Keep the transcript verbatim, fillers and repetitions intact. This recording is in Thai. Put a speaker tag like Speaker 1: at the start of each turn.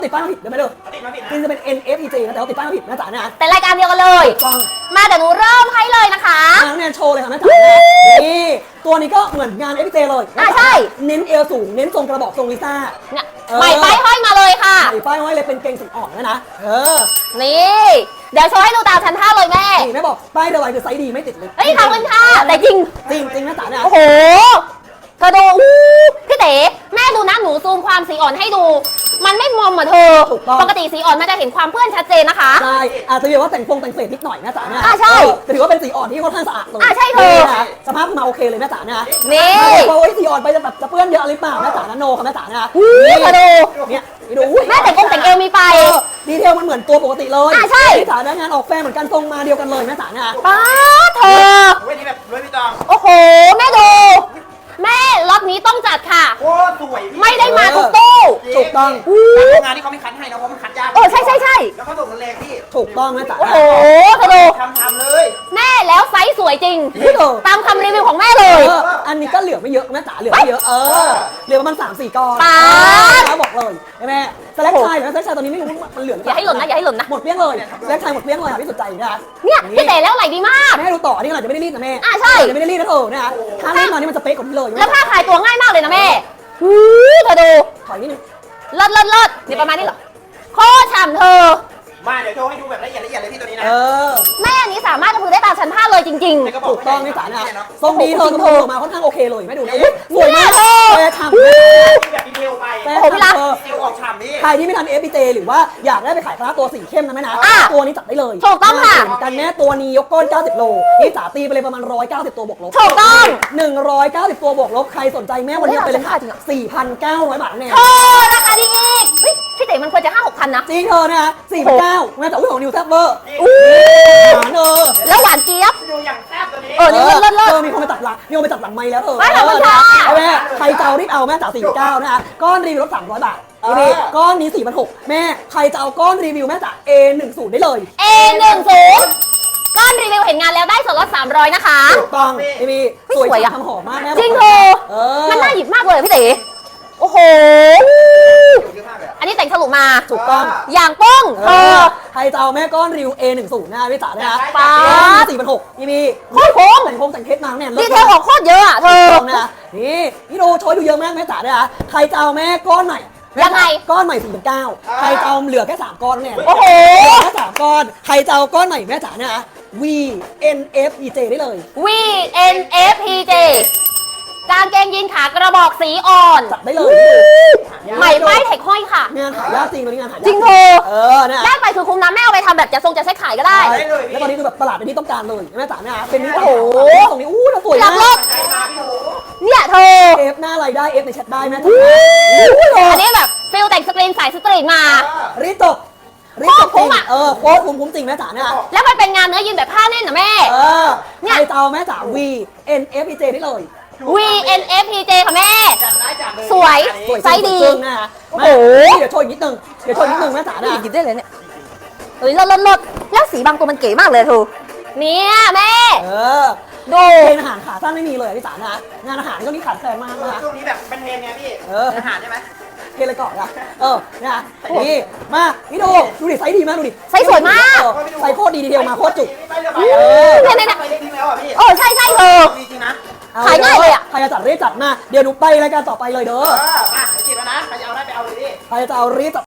Speaker 1: ติดป้ายมาผิดเดี๋ยวไม่เลิก
Speaker 2: ติดมาผิด
Speaker 1: จริงจะเป็น เอ็น เอฟ อี เจ นะแต่ว่าติดป้ายมาผิดนะจ๋านะ
Speaker 3: เป็นรายการเดียวกันเลย
Speaker 1: ต้อง
Speaker 3: มาเดี๋ยวหนูเริ่มให้เลยนะคะ
Speaker 1: น้องแนนโชว์เลยค่ะแม่จ๋านะนี่ตัวนี้ก็เหมือนงาน เอฟ อี เจ เลย
Speaker 3: อ่ะใช่
Speaker 1: เน้นเอวสูงเน้นทรงกระบอกทรงลิซ่า
Speaker 3: เนี่ย
Speaker 1: เออ
Speaker 3: ใหม่ป้ายห้อยมาเลยค่ะ
Speaker 1: ใส่ป้ายไว้เลยเป็นเกงสีอ่อนนะนะเออ
Speaker 3: นี่ เดี๋ยวโชว์ให้ดูตามชั้นท่าเลยแม่
Speaker 1: นี่แม่บอกป้ายเดวายคือไซส์ดีไม่ติดเลย
Speaker 3: เฮ้ยขอบคุณค่ะแต่จริง
Speaker 1: จริงจริงนะจ๋านะ
Speaker 3: โอ้โหเธอดูอู้พี่เต๋แม่ดูนะหนูซูมความสีอ่อนให้ดู มันไม่มอมเหมือนเธอ ปกติสีอ่อนมันจะเห็นความเปื้อนชัดเจนนะคะ
Speaker 1: ใช่อาจจะเรียกว่าแต่งฟงแต่งเศษนิดหน่อยนะจ๋านะ
Speaker 3: อ่ะใช่
Speaker 1: เออแต่ถือว่าเป็นสีอ่อนที่ค่อนข้างสะอาดเลย
Speaker 3: อ่ะใช่เธอ
Speaker 1: นี่นะสภาพมาโอเคเลยแม่จ๋านะ
Speaker 3: นี่
Speaker 1: ไม่บอกว่าโอ้ยสีอ่อนไปจะแบบจะเปื้อนเยอะหรือเปล่าแม่จ๋านะโนค่ะแม่จ๋านะ
Speaker 3: อู้เธอดู
Speaker 1: เนี่ยนี่ดูอุ้ย
Speaker 3: แม่แต่งกงแต่งเอวมีไป
Speaker 1: เออดีเทลมันเหมือนตัวปกติเลย
Speaker 3: อ่ะใช่
Speaker 1: แม่จ๋านะงานออกแฟนเหมือนกันทรงมาเดียวกันเลยแม่จ๋านะ
Speaker 3: ป้าเธอ
Speaker 2: เว้ยนี่แบบรวยพี่ตอง
Speaker 3: โอ้โห แม่ดู แม่ล็อตนี้ต้องจัดค่ะ
Speaker 2: โอ้สวยพี่
Speaker 3: ไม่ได้มาทุกตู้
Speaker 1: ถูกต้อง
Speaker 2: แต่โรงงานที่เขาไม่คัดให้นะเพราะมันคัดยาก
Speaker 3: เออใช่ใช่ใช่
Speaker 2: แล้วเขาส่งมันแรงพี่
Speaker 1: ถูกต้องแม่จ๋า
Speaker 3: โอ้
Speaker 1: นะ
Speaker 3: โหเธอดู
Speaker 2: ทำทำเลย
Speaker 3: แม่แล้วไซส์สวยจริง
Speaker 1: นี่เธอ
Speaker 3: ตามคำรีวิวของแม่เล
Speaker 1: เอย ออันนี้ก็เหลือไม่เยอะแม่จ๋าเหลือไม่เยอะเออเหลือประมาณสามสี่ก้อน
Speaker 3: ป๊าด
Speaker 1: แล้วบอกเลยใช่ไหมสแลกไทยนะสแลกไทยตอนนี้ไม่รู้มันเหลือ
Speaker 3: อย่าให้หล่นนะอย่าให้หล่นนะ
Speaker 1: หมดเปรี้ยงเลยสแลกไทยหมดเปรี้ยงเลยค่ะพี่สุดใจนะ
Speaker 3: เนี่ยพี่เต๋แล้วไหลดีมาก
Speaker 1: แม่ให้ดูต่ออันนี้อาจจะไม่ได้รีดนะแม่
Speaker 3: อ่ะใช่
Speaker 1: จะไม่ได้รีดนะเธอนะถ้ารีดมานี่มันจะเป๊ะกว่านี้เลย
Speaker 3: แล้วผ้าขายตัวง่ายมากเลยนะแม่หูเธอดู
Speaker 1: ถอยนิดนึง
Speaker 3: เลิศเลิศเลิศนี่ประมาณนี้เหรอโคตรฉ่ำเธอ
Speaker 2: มาเดี๋ยวโชว์ให้ดูแบบละเอียดละเอียดเลยพี่ตัวนี้นะ
Speaker 1: เออ
Speaker 3: แม่อันนี้สามารถกระพือได้ตามชั้นผ้าเลยจริง
Speaker 2: ในกระบ
Speaker 1: ถูกต้องนี่จ๋านะทรงดีเธอ
Speaker 3: โอ้
Speaker 1: ท
Speaker 3: โห
Speaker 1: รงมาค่อนข้างโอเคเลยไม่ดูนะอุ๊ยสวยมาก
Speaker 3: เนี่ยเธอ
Speaker 1: แฟร์ฉ่ำ
Speaker 2: แบบดีเทลไป
Speaker 1: แฟ
Speaker 3: โอ้
Speaker 1: ร์
Speaker 3: โหพี่รั
Speaker 1: ฉ่ำ
Speaker 3: ก
Speaker 1: เธอ
Speaker 2: ดีเทลออกฉ่ำนี่
Speaker 1: ใครที่ไม่ทัน เอฟ พี เจ หรือว่าอยากได้ไปขายคณะตัวสีเข้มนะแม่นะ
Speaker 3: อ่ะ
Speaker 1: ตัวนี้จัดได้เลย
Speaker 3: ถูกต้องค่ะ
Speaker 1: เหมือนกันแม่ตัวนี้ยกก้นเก้าสิบโลนี่จ๋าตีไปเลยประมาณหนึ่งร้อยเก้าสิบตัวบวกลบ
Speaker 3: ๆถูกต้อง
Speaker 1: หนึ่งร้อยเก้าสิบตัวบวกลบใครสนใจแม่วันนี้เอาไปเลยค่ะ
Speaker 3: จริงเหรอ
Speaker 1: สี่พันเก้าร้อยบาทแน่
Speaker 3: โอ้ราคาดีอีกเฮ้ยพี่เต๋มันควรจะห้าหกพันนะ
Speaker 1: จริงเธอนะสี่พันเก้าแม่แต่อุ้ยของนิวแซ่บเวอร์
Speaker 3: อู้
Speaker 1: หวานเออ
Speaker 3: แล้วหวานเจี๊ยบ
Speaker 2: ดูอย่างแซ่บตัวนี้
Speaker 3: เออ นี่เลิศเลิศ
Speaker 1: เออมีคนไปตัดหลังมีคนไปตัดหลังไม้แล้วเออ
Speaker 3: ไม่ขอบคุณค่ะ
Speaker 1: เอาแม่ใครจะเอารีบเอาแม่จ๋าสี่พันเก้านะคะก้อนรีวิวลดสามร้อยบาทนี่ก้อนนี้สี่พันหกแม่ใครจะเอาก้อนรีวิวแม่จ๋า เอ หนึ่งศูนย์ ได้เลย
Speaker 3: เอหนึ่งศูนย์ก้อนรีวิวเห็นงานแล้วได้ส่วนลดสามร้อยนะคะ
Speaker 1: ถูกต้องพี่บี
Speaker 3: เฮ้ย
Speaker 1: สวย
Speaker 3: สวยอะ
Speaker 1: ทำหอมมากแม่
Speaker 3: จริงเธอ
Speaker 1: เออ
Speaker 3: มันน่าหยิบมากเลยพี่เต๋โอ้โห
Speaker 2: เยอะมากเลยอะ
Speaker 3: อันนี้แต่งฉลุมา
Speaker 1: ถูกต้อง
Speaker 3: อย่างป้อง
Speaker 1: เอ
Speaker 3: เธอ
Speaker 1: อใครจะเอาแม่ก้อนรีวิว เอ หนึ่งศูนย์ นะพี่จ๋านะ
Speaker 3: ป๊าด
Speaker 1: สี่พันหกพี่บี
Speaker 3: โคตรคุ้ม
Speaker 1: แต่งพงแต่งเพชรมาเนี่ย
Speaker 3: ดีเทลออกโคตรเยอะอ่ะเธอ
Speaker 1: ถูกต้องนะนี่พี่ดูโชว์ดูเยอะมากแม่จ๋านะคะใครจะเอาแม่ก้อนใหม่
Speaker 3: ยังไง
Speaker 1: ก้อนใหม่สี่พันเก้าใครจะเอาเหลือแค่สามก้อนเนี่ย
Speaker 3: โอ้โห
Speaker 1: เหลือแค่สามก้อนใครจะเอาก้อนใหม่แม่จ๋านะคะ V N F E J ได้เลย
Speaker 3: V N F P J กางเกงยีนขากระบอกสีอ่อน
Speaker 1: จัดได้เลย
Speaker 3: ใหม่ป้ายเทคห้อยค่ะ
Speaker 1: งานหายากจริงตอนนี้งานหายาก
Speaker 3: จริงเธอ
Speaker 1: เออนะ
Speaker 3: ได้ไปคือคุ้มนะแม่เอาไปทำแบบจะทรงจะใช้ขายก็ได้
Speaker 1: ใช่แล้วตอนนี้คือแบบตลาดเป็นที่ต้องการเลยแม่จ๋านะคะเป็นนี้
Speaker 3: โอ้โห
Speaker 1: ตรงนี้อู้สวย
Speaker 3: หลั
Speaker 1: มาก
Speaker 3: รถ
Speaker 2: ใจมาพี่โห
Speaker 3: เนี่ยเธอ
Speaker 1: เอฟหน้าอะไรได้เอฟในแชทได้แม่จ๋า
Speaker 3: อันนี้แบบฟิลแต่งสกรีนสายสตรีทมา
Speaker 1: รีบจบรีบจบ
Speaker 3: โคตรคุ้
Speaker 1: จริ
Speaker 3: ม
Speaker 1: ง
Speaker 3: อะ
Speaker 1: เออโคตรคุ้มคุ้มจริงแม่จ๋าเนี่ย
Speaker 3: แล้วมันเป็นงานเนื้อยีนแบบผ้าแน่นนะแม่
Speaker 1: เออ
Speaker 3: เนี่ย
Speaker 1: ใครจะเอาแม่จ๋า V N F E J ได้เลย
Speaker 3: V N F P J ค่ะแม่
Speaker 2: จัดได้จัดเลย
Speaker 3: สวย
Speaker 1: สวย
Speaker 3: ไซส์ดี
Speaker 1: ซึ่งนะคะ
Speaker 3: โอ้โห
Speaker 1: มาเดี๋ยวโชว์อีกนิดนึงเดี๋ยวโชว์อีกนิดนึงแม่จ๋านะ
Speaker 3: หยิบได้เลยเนี่ยเฮ้ยลดลดลดแล้วสีบางตัวมันเก๋มากเลยทูเนี่ยแม่
Speaker 1: เออ
Speaker 3: ดู
Speaker 1: เทรนอาหารขาสั้นไม่มีเลยอะพี่จ๋านะงานอาหารก็มีขาดแคลนมากนะคะ
Speaker 2: ช่วงนี้แบบเป็นเทรนไงพี่
Speaker 1: เออ
Speaker 2: อาหารใช่ไหม
Speaker 1: เทรนเลยก่อนนะเออนะนี่มานี่ดูดูดิไซส์ดีมากดูดิ
Speaker 3: ไซส์สวยมาก
Speaker 1: เออไซส์โคตรดีดีเทลมาโคตรจุก
Speaker 2: ไปเรือใบ
Speaker 1: เออ
Speaker 3: เนี่ยเนี่ย
Speaker 2: ไปเล็กทิ้งแล้วอ่ะพี่
Speaker 3: โอ้ใช่ใช่เธอ
Speaker 2: จริงๆนะ
Speaker 1: อ
Speaker 3: ขายง่ายเลยอะ
Speaker 1: ใครจะจัดรีบจัดมาเดี๋ยวหนูไปรายการต่อไปเลยเด้อ
Speaker 2: เออมาเดี๋ยวจิบแล้วนะใครจะเอาได้ไปเอาเลยดิ
Speaker 1: ใครจะเอารีบจัด